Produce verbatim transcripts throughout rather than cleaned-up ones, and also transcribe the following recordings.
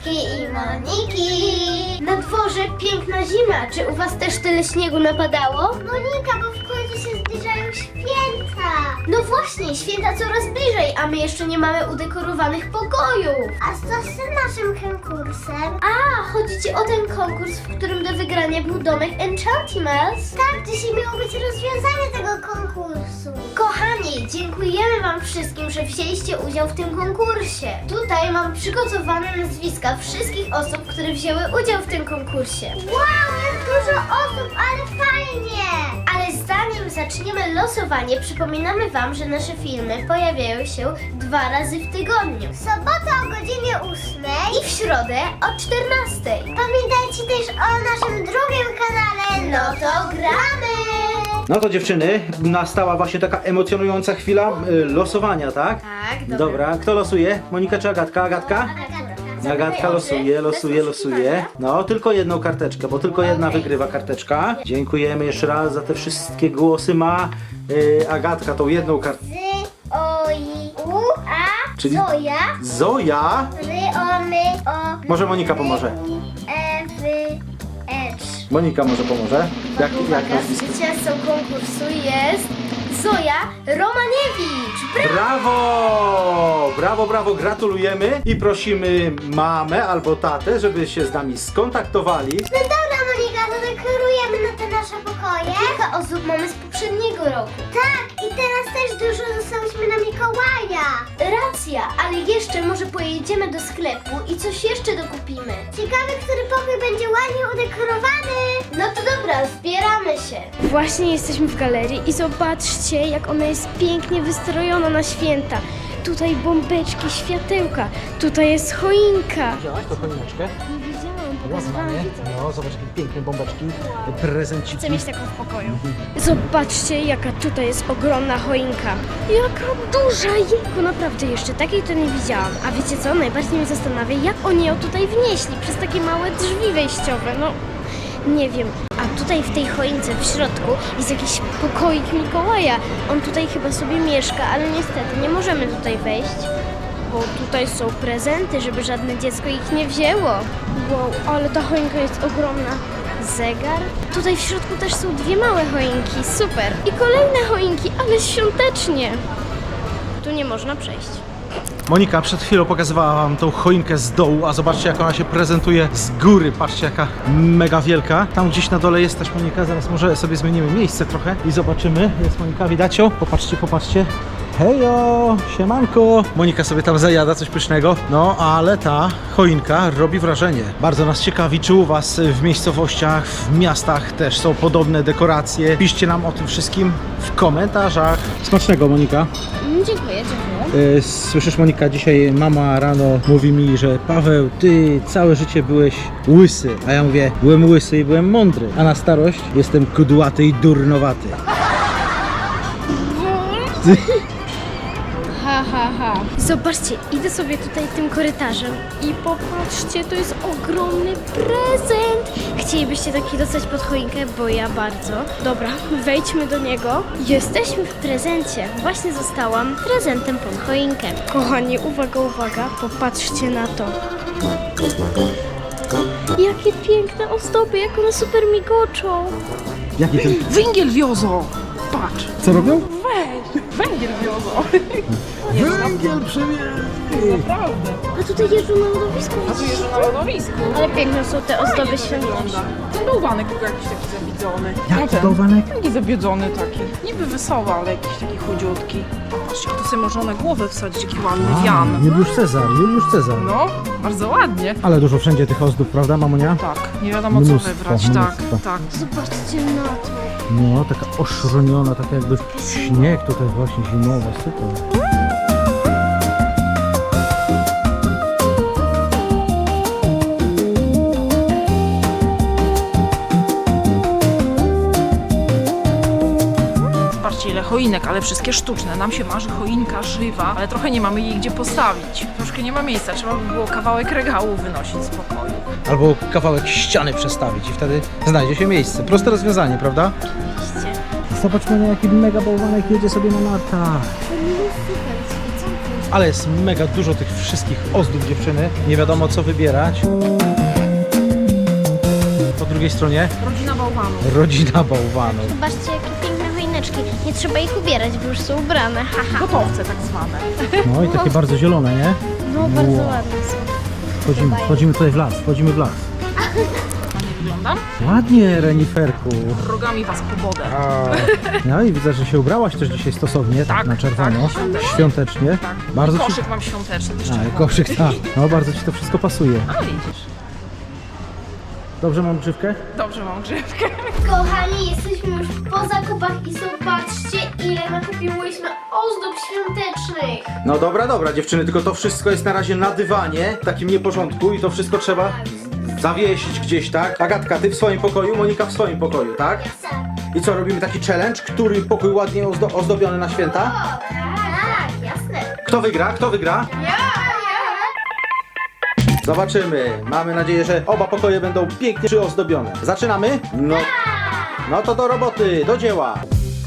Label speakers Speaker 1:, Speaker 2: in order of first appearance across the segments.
Speaker 1: Agatki i Moniki. Na dworze piękna zima. Czy u was też tyle śniegu napadało? Monika, bo w końcu się zbliżają święta. No właśnie, święta coraz bliżej, a my jeszcze nie mamy udekorowanych pokojów. A co z tym naszym konkursem? A, chodzi ci o ten konkurs, w którym do wygrania był domek Enchantimals? Tak, dzisiaj miało być rozwiązanie tego konkursu. Kochani, dziękujemy wam wszystkim, że wzięliście udział w tym konkursie. Tutaj mam przygotowane nazwiska wszystkich osób, które wzięły udział w tym konkursie. Wow, jak dużo osób, ale fajnie! Ale zanim zaczniemy losowanie, przypominamy wam, że nasze filmy pojawiają się dwa razy w tygodniu. W sobotę o godzinie ósmej i w środę o czternastej. Pamiętajcie też o naszym drugim kanale. No to gramy!
Speaker 2: No to dziewczyny, nastała właśnie taka emocjonująca chwila y, losowania, tak?
Speaker 1: Tak, dobra.
Speaker 2: Dobra, kto losuje? Monika czy Agatka? Agatka? Agatka losuje, losuje, losuje. No, tylko jedną karteczkę, bo tylko jedna
Speaker 1: Okej.
Speaker 2: wygrywa karteczka. Dziękujemy jeszcze raz za te wszystkie głosy. Ma y, Agatka tą jedną kartę.
Speaker 1: Z, o, i, u, a,
Speaker 2: Czyli-
Speaker 1: Zoja,
Speaker 2: Zoja!
Speaker 1: ry, o, my, o,
Speaker 2: Może Monika pomoże.
Speaker 1: e, wy, ecz.
Speaker 2: Monika może pomoże. Jak, jak
Speaker 1: Uwaga,
Speaker 2: nazwisko?
Speaker 1: zwycięzcą konkursu jest Zoja Romaniewicz. Brawo!
Speaker 2: Brawo! Brawo, brawo, gratulujemy i prosimy mamę albo tatę, żeby się z nami skontaktowali.
Speaker 1: No dobra, Monika, to dekorujemy na te nasze pokoje. Kilka osób mamy z poprzedniego roku. Tak, i teraz też dużo dostałyśmy na Mikołaja. Racja, ale jeszcze może pojedziemy do sklepu i coś jeszcze dokupimy. Ciekawe, który pokój będzie ładnie udekorowany. No to dobra, zbieramy się.
Speaker 3: Właśnie jesteśmy w galerii i zobaczcie, jak ona jest pięknie wystrojona na święta. Tutaj bombeczki, światełka, tutaj jest choinka.
Speaker 2: Widziałaś tą choineczkę?
Speaker 3: Nie widziałam, pokazywałam widzom.
Speaker 2: No, zobacz jakie piękne bombeczki, prezenciki.
Speaker 3: Chcę mieć taką w pokoju. Zobaczcie, jaka tutaj jest ogromna choinka. Jaka duża, jejku, naprawdę jeszcze takiej to nie widziałam. A wiecie co, najbardziej mnie zastanawia, jak oni ją tutaj wnieśli przez takie małe drzwi wejściowe, no nie wiem. A tutaj w tej choince w środku jest jakiś pokoik Mikołaja. On tutaj chyba sobie mieszka, ale niestety nie możemy tutaj wejść, bo tutaj są prezenty, żeby żadne dziecko ich nie wzięło. Wow, ale ta choinka jest ogromna. Zegar. Tutaj w środku też są dwie małe choinki, super. I kolejne choinki, ale świątecznie. Tu nie można przejść.
Speaker 2: Monika przed chwilą pokazywała wam tą choinkę z dołu, a zobaczcie jak ona się prezentuje z góry. Patrzcie jaka mega wielka. Tam gdzieś na dole jest też Monika, zaraz może sobie zmienimy miejsce trochę i zobaczymy. Jest Monika, widać ją? Popatrzcie, popatrzcie. Hejo, siemanko. Monika sobie tam zajada coś pysznego. No, ale ta choinka robi wrażenie. Bardzo nas ciekawi, czy u was w miejscowościach, w miastach też są podobne dekoracje. Piszcie nam o tym wszystkim w komentarzach. Smacznego, Monika.
Speaker 3: Mm, dziękuję, dziękuję.
Speaker 2: E, Słyszysz, Monika, dzisiaj mama rano mówi mi, że Paweł, ty całe życie byłeś łysy. A ja mówię, byłem łysy i byłem mądry. A na starość jestem kudłaty i durnowaty.
Speaker 3: Ha, ha, ha. Zobaczcie, idę sobie tutaj tym korytarzem i popatrzcie, to jest ogromny prezent. Chcielibyście taki dostać pod choinkę? Bo ja bardzo. Dobra, wejdźmy do niego. Jesteśmy w prezencie. Właśnie zostałam prezentem pod choinkę. Kochani, uwaga, uwaga, popatrzcie na to. Jakie piękne ozdoby, jak one super migoczą.
Speaker 2: Jaki ten...
Speaker 4: Węgiel wiozą! Patrz!
Speaker 2: Co robią?
Speaker 4: Weź! Węgiel wiozą!
Speaker 2: Węgiel przywieźli!
Speaker 4: Naprawdę!
Speaker 3: A tutaj jeżdżą na lodowisku.
Speaker 4: A tu jeżdżą na lodowisku.
Speaker 3: Ale piękne są te ozdoby świąteczne.
Speaker 4: Ten bałwanek tylko jakiś taki zabiedzony.
Speaker 2: Jaki
Speaker 4: Ten.
Speaker 2: bałwanek?
Speaker 4: Taki zabiedzony taki. Niby wesoły, ale jakiś taki chudziutki. Patrzcie, to sobie można na głowę wsadzić, jaki ładny wian.
Speaker 2: Juliusz Cezar, Juliusz Cezar.
Speaker 4: No, bardzo ładnie.
Speaker 2: Ale dużo wszędzie tych ozdób, prawda, mamunia?
Speaker 4: Tak, nie wiadomo co
Speaker 2: Mnóstwo,
Speaker 4: wybrać. Tak,
Speaker 2: mnóstwo.
Speaker 4: tak.
Speaker 3: Zobaczcie na to.
Speaker 2: No, taka oszroniona, taka jakby śnieg tutaj właśnie zimowy, super.
Speaker 4: Patrzcie ile choinek, ale wszystkie sztuczne. Nam się marzy choinka żywa, ale trochę nie mamy jej gdzie postawić. Troszkę nie ma miejsca, trzeba by było kawałek regału wynosić z pokoju.
Speaker 2: Albo kawałek ściany przestawić i wtedy znajdzie się miejsce. Proste rozwiązanie, prawda? Zobacz, Monia, jaki mega bałwanek jedzie sobie na nartach.
Speaker 3: To nie jest super, świecący.
Speaker 2: Ale jest mega dużo tych wszystkich ozdób, dziewczyny. Nie wiadomo co wybierać. Po drugiej stronie
Speaker 4: Rodzina bałwanów.
Speaker 2: rodzina bałwanów.
Speaker 3: Zobaczcie, jakie piękne choineczki. Nie trzeba ich ubierać, bo już są ubrane. Haha.
Speaker 4: Gotowce tak zwane.
Speaker 2: No i takie bardzo zielone, nie?
Speaker 3: No, bardzo
Speaker 2: Wow.
Speaker 3: ładne są.
Speaker 2: Wchodzimy, wchodzimy tutaj w las, wchodzimy w las.
Speaker 4: Ładnie wyglądam?
Speaker 2: Ładnie, Reniferku.
Speaker 4: Rogami was pobodę.
Speaker 2: No i widzę, że się ubrałaś też dzisiaj stosownie, tak,
Speaker 4: Tak,
Speaker 2: na czerwono,
Speaker 4: tak, świątecznie.
Speaker 2: świątecznie.
Speaker 4: Tak.
Speaker 2: Bardzo ci...
Speaker 4: Koszyk mam świąteczny, też
Speaker 2: A,
Speaker 4: czerwony.
Speaker 2: koszyk, tak. No bardzo ci to wszystko pasuje.
Speaker 4: A widzisz.
Speaker 2: Dobrze mam grzywkę?
Speaker 4: Dobrze mam grzywkę.
Speaker 1: Kochani, jesteśmy już po zakupach i zobaczcie, ile nakupiłyśmy ozdób świątecznych.
Speaker 2: No dobra, dobra dziewczyny, tylko to wszystko jest na razie na dywanie, w takim nieporządku i to wszystko trzeba zawiesić gdzieś, tak? Agatka, ty w swoim pokoju, Monika w swoim pokoju, tak? I co, robimy taki challenge, który pokój ładnie ozdo ozdobiony na święta?
Speaker 1: Tak, jasne.
Speaker 2: Kto wygra? Kto wygra? Zobaczymy. Mamy nadzieję, że oba pokoje będą pięknie przyozdobione. Zaczynamy? No, no to do roboty, do dzieła.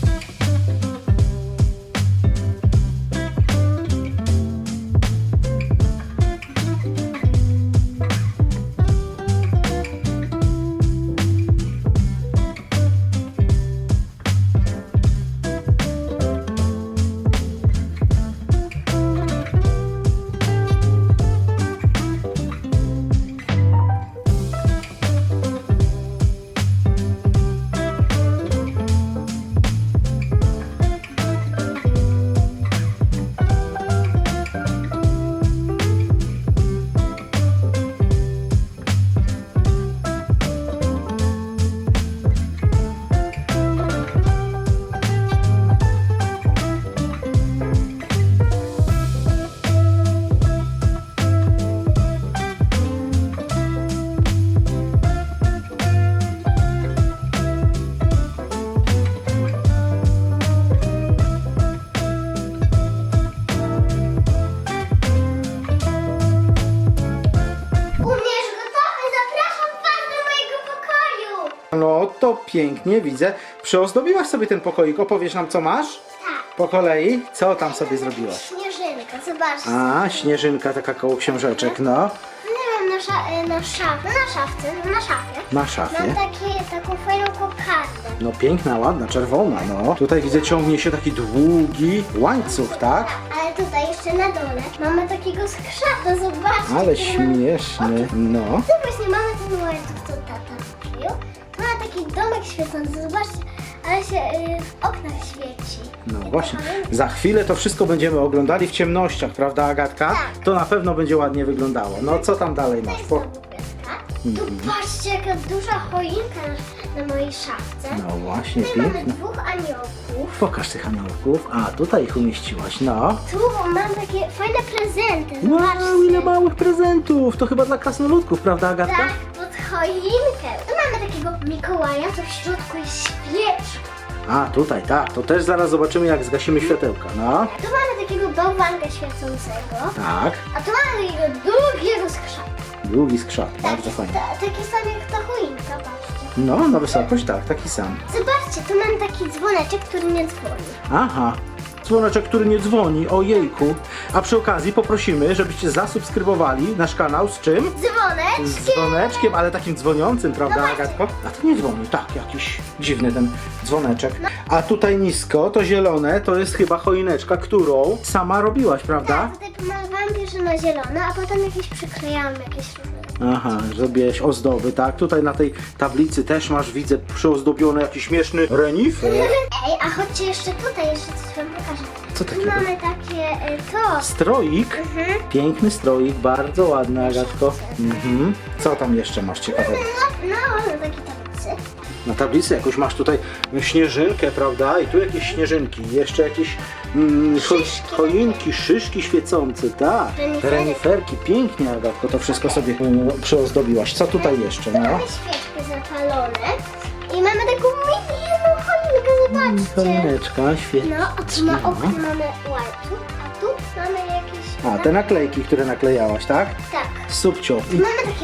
Speaker 1: Umiesz gotowy? Zapraszam was do mojego pokoju.
Speaker 2: No to pięknie, widzę. Przyozdobiłaś sobie ten pokoik. Opowiesz nam, co masz?
Speaker 1: Tak.
Speaker 2: Po kolei. Co tam sobie zrobiłaś?
Speaker 1: Śnieżynka, zobaczcie.
Speaker 2: A, śnieżynka taka koło książeczek, no.
Speaker 1: Nie wiem, na, sza e, na, szaf na szafce, na szafie.
Speaker 2: Na
Speaker 1: Mam
Speaker 2: szafie.
Speaker 1: takie, taką fajną kokardę.
Speaker 2: No piękna, ładna, czerwona, no. Tutaj widzę, ciągnie się taki długi łańcuch, tak?
Speaker 1: Ale tutaj jeszcze na dole mamy takiego skrzata, zobaczcie.
Speaker 2: Ale
Speaker 1: który ma-
Speaker 2: śmieszny, no.
Speaker 1: Tu właśnie mamy ten łańcuch, co tata kupił. Tu ma taki domek świecący, zobaczcie, ale się y, w oknach świeci.
Speaker 2: No właśnie, za chwilę to wszystko będziemy oglądali w ciemnościach, prawda Agatka?
Speaker 1: Tak.
Speaker 2: To na pewno będzie ładnie wyglądało. No co tam dalej masz? Po...
Speaker 1: Tu patrzcie, jaka duża choinka na, na mojej szafce.
Speaker 2: No właśnie,
Speaker 1: Tutaj mamy
Speaker 2: piękne.
Speaker 1: dwóch aniołków.
Speaker 2: Pokaż tych aniołków. A, tutaj ich umieściłaś, no.
Speaker 1: Tu mam takie fajne prezenty,
Speaker 2: Wow,
Speaker 1: zobaczcie.
Speaker 2: ile małych prezentów! To chyba dla krasnoludków, prawda Agatka?
Speaker 1: Tak, pod choinkę. Tu mamy takiego Mikołaja, to w środku jest świeczka.
Speaker 2: A, tutaj, tak. To też zaraz zobaczymy, jak zgasimy światełka, no.
Speaker 1: Tu mamy takiego bałwanka świecącego.
Speaker 2: Tak,
Speaker 1: A tu mamy takiego długiego skrzata.
Speaker 2: długi skrzat, bardzo fajnie.
Speaker 1: Ta, taki sam jak ta choinka, patrzcie.
Speaker 2: No, na wysokość, tak, taki sam.
Speaker 1: Zobaczcie, tu mam taki dzwoneczek, który nie dzwoni.
Speaker 2: Aha, dzwoneczek, który nie dzwoni, ojejku. A przy okazji poprosimy, żebyście zasubskrybowali nasz kanał z czym?
Speaker 1: Dzwonek?
Speaker 2: Z dzwoneczkiem, ale takim dzwoniącym, prawda
Speaker 1: No właśnie.
Speaker 2: Agatko? A to nie dzwoni, tak, jakiś dziwny ten dzwoneczek. A tutaj nisko, to zielone, to jest chyba choineczka, którą sama robiłaś, prawda?
Speaker 1: Tak, tutaj pomalowałam pierwsze na zielono, a potem jakieś przyklejałam jakieś różne.
Speaker 2: Aha, zrobiłeś ozdoby, tak? Tutaj na tej tablicy też masz, widzę, przyozdobiony jakiś śmieszny renifer.
Speaker 1: Ej, a chodźcie jeszcze tutaj, jeszcze coś wam pokażę.
Speaker 2: Co
Speaker 1: Tu
Speaker 2: takiego?
Speaker 1: mamy takie y, to.
Speaker 2: Stroik,
Speaker 1: Mhm.
Speaker 2: piękny stroik, bardzo ładny, Agatko. Mhm. Co tam jeszcze masz ciekawego?
Speaker 1: No, no, no takie tablicy.
Speaker 2: Na tablicy jakąś masz tutaj śnieżynkę, prawda? I tu jakieś śnieżynki, jeszcze jakieś mm, cho
Speaker 1: Szyszki.
Speaker 2: choinki, szyszki świecące, tak.
Speaker 1: Renifery.
Speaker 2: Reniferki, pięknie, Agatko, to wszystko sobie mm, przyozdobiłaś. Co tutaj jeszcze,
Speaker 1: Tu
Speaker 2: no?
Speaker 1: mamy świeczki zapalone. I mamy taką mini jedną choinkę, zobaczcie.
Speaker 2: Choineczka, świetnie.
Speaker 1: No, a tu na oknie mamy łańcuch, a tu mamy jakieś...
Speaker 2: A, te naklejki, które naklejałaś, tak?
Speaker 1: Tak.
Speaker 2: Subcio.
Speaker 1: Tu mamy takie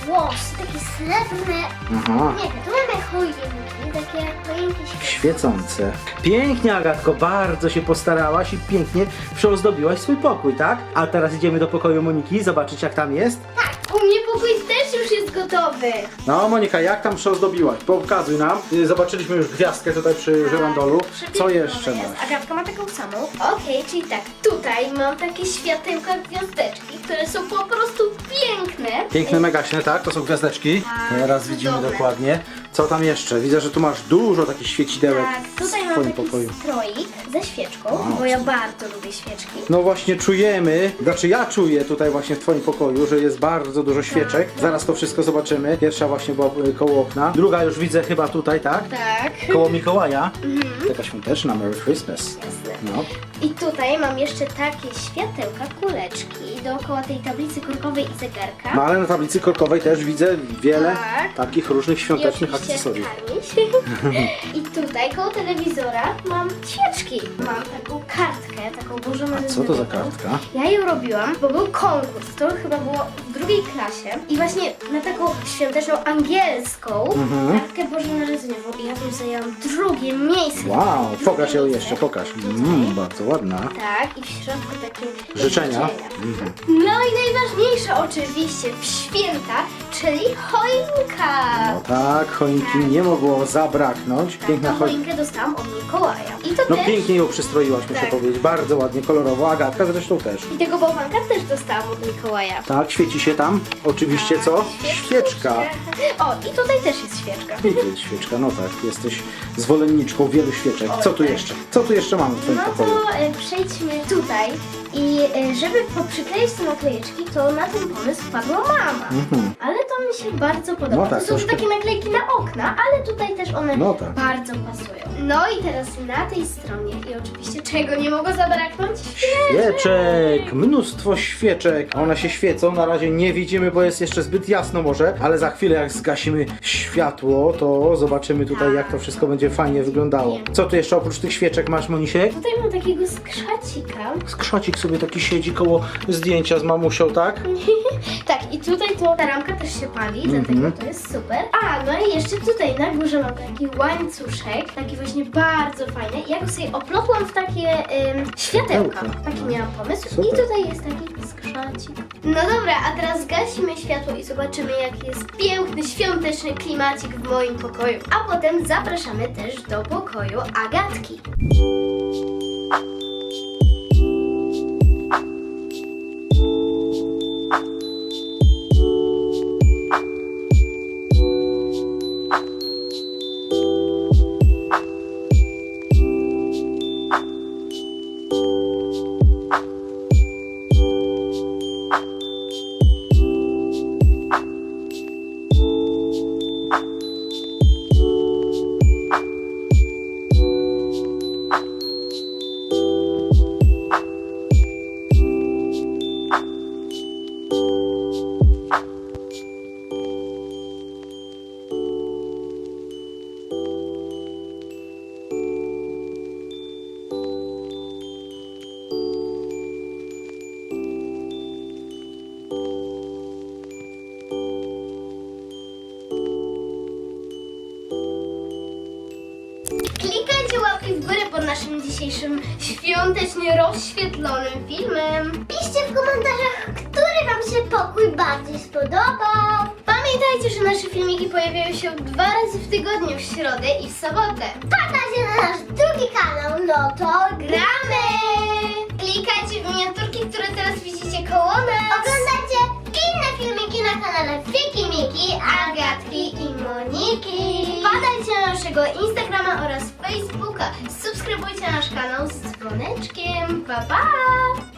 Speaker 1: włosy, takie srebrne.
Speaker 2: Aha.
Speaker 1: Nie, tu mamy choinki, takie choinki świecące.
Speaker 2: Świecące. Pięknie, Agatko, bardzo się postarałaś i pięknie przyozdobiłaś swój pokój, tak? A teraz idziemy do pokoju Moniki, zobaczyć jak tam jest.
Speaker 1: Tak, u mnie pokój też już jest gotowy.
Speaker 2: No Monika, jak tam przyozdobiłaś? Pokazuj nam. Y, Zobaczyliśmy już gwiazdkę tutaj przy żyrandolu. Co jeszcze masz?
Speaker 1: Agatka ma taką samą. Okej, czyli tak, tutaj mam takie światełka gwiazdeczki, które są po prostu piękne.
Speaker 2: Piękne, megaśne, tak? To są gwiazdeczki. Teraz widzimy dokładnie. Co tam jeszcze? Widzę, że tu masz dużo takich świecidełek
Speaker 1: Tak, tutaj
Speaker 2: w
Speaker 1: mam
Speaker 2: twoim
Speaker 1: taki
Speaker 2: pokoju.
Speaker 1: stroik ze świeczką,
Speaker 2: Wow.
Speaker 1: bo ja bardzo lubię świeczki.
Speaker 2: No właśnie czujemy, znaczy ja czuję tutaj właśnie w twoim pokoju, że jest bardzo dużo świeczek. Zaraz to wszystko zobaczymy. Pierwsza właśnie była y, koło okna. Druga już widzę chyba tutaj, tak?
Speaker 1: Tak.
Speaker 2: Koło Mikołaja. Taka świąteczna, Merry Christmas.
Speaker 1: Jasne.
Speaker 2: No.
Speaker 1: I tutaj mam jeszcze takie światełka, kuleczki dookoła tej tablicy korkowej i zegarka.
Speaker 2: No ale na tablicy korkowej też widzę wiele
Speaker 1: Tak.
Speaker 2: takich różnych świątecznych
Speaker 1: I oczywiście
Speaker 2: akcesoriów.
Speaker 1: karmić. I tutaj koło telewizora mam świeczki. Mam taką kartkę, taką dużą
Speaker 2: A co to za kartka?
Speaker 1: Ja ją robiłam, bo był konkurs. To chyba było w drugiej klasie. I właśnie na taką świąteczną angielską
Speaker 2: Mhm.
Speaker 1: kartkę bożonarodzeniową. I ja tam zajęłam drugie miejsce.
Speaker 2: Wow,
Speaker 1: Drugie
Speaker 2: pokaż ją
Speaker 1: miejsce.
Speaker 2: jeszcze, pokaż. Mm, bardzo ładna.
Speaker 1: Tak, i w środku takie
Speaker 2: Życzenia. Mhm.
Speaker 1: No i najważniejsze oczywiście w święta, czyli choinka.
Speaker 2: No tak, choinki nie mogło zabraknąć. Piękna
Speaker 1: Tą
Speaker 2: choinka.
Speaker 1: choinkę dostałam od Mikołaja. I to
Speaker 2: No
Speaker 1: też.
Speaker 2: pięknie ją przystroiłaś, muszę
Speaker 1: Tak.
Speaker 2: powiedzieć. Bardzo ładnie, kolorowo. Agatka zresztą też.
Speaker 1: I tego bałwanka też dostałam od Mikołaja.
Speaker 2: Tak, świeci się tam. Oczywiście co? Świeczka.
Speaker 1: O, i tutaj też jest świeczka.
Speaker 2: I tu jest świeczka, no tak. Jesteś zwolenniczką wielu świeczek. Co tu jeszcze? Co tu jeszcze mamy w twoim
Speaker 1: No
Speaker 2: pokoju?
Speaker 1: to e, przejdźmy tutaj i e, żeby poprzykleić te naklejeczki, to na ten pomysł wpadła mama.
Speaker 2: Mhm.
Speaker 1: Ale to mi się bardzo podoba.
Speaker 2: No tak,
Speaker 1: to są już
Speaker 2: troszkę-
Speaker 1: takie naklejki na okna, ale tutaj też one
Speaker 2: No tak.
Speaker 1: bardzo pasują. No i teraz na tej stronie i oczywiście czego nie mogło zabraknąć?
Speaker 2: Świeczek! Mnóstwo świeczek. One się świecą, na razie nie widzimy, bo jest jeszcze zbyt jasno może, ale za chwilę jak zgasimy światło, to zobaczymy tutaj jak to wszystko będzie fajnie wyglądało. Co tu jeszcze oprócz tych świeczek masz, Monisiek?
Speaker 1: Tutaj mam takiego skrzacika.
Speaker 2: Skrzocik sobie taki siedzi koło zdjęcia z mamusią, tak?
Speaker 1: Tak, i tutaj to ta ramka też się pali,
Speaker 2: Mhm.
Speaker 1: dlatego to jest super. A, no i jeszcze tutaj na górze mam taki łańcuszek, taki właśnie bardzo fajny. I ja go sobie oplotłam w takie ym, światełka.
Speaker 2: Światełka.
Speaker 1: Taki miałam pomysł.
Speaker 2: Super.
Speaker 1: I tutaj jest taki skrzacik. No dobra, a teraz zgasimy światło i zobaczymy, jaki jest piękny, świąteczny klimacik w moim pokoju. A potem zapraszamy też do pokoju Agatki. Klikajcie łapki w górę pod naszym dzisiejszym świątecznie rozświetlonym filmem. Piszcie w komentarzach, który wam się pokój bardziej spodobał. Pamiętajcie, że nasze filmiki pojawiają się dwa razy w tygodniu, w środę i w sobotę. Wpadajcie na nasz drugi kanał, no to gramy! Klikajcie w miniaturki, które teraz widzicie koło nas. Oglądajcie inne filmiki na kanale Fiki Miki, Agatki i Moniki. Wpadajcie na naszego Instagrama oraz Facebooka. Subskrybujcie nasz kanał z dzwoneczkiem. Pa, pa!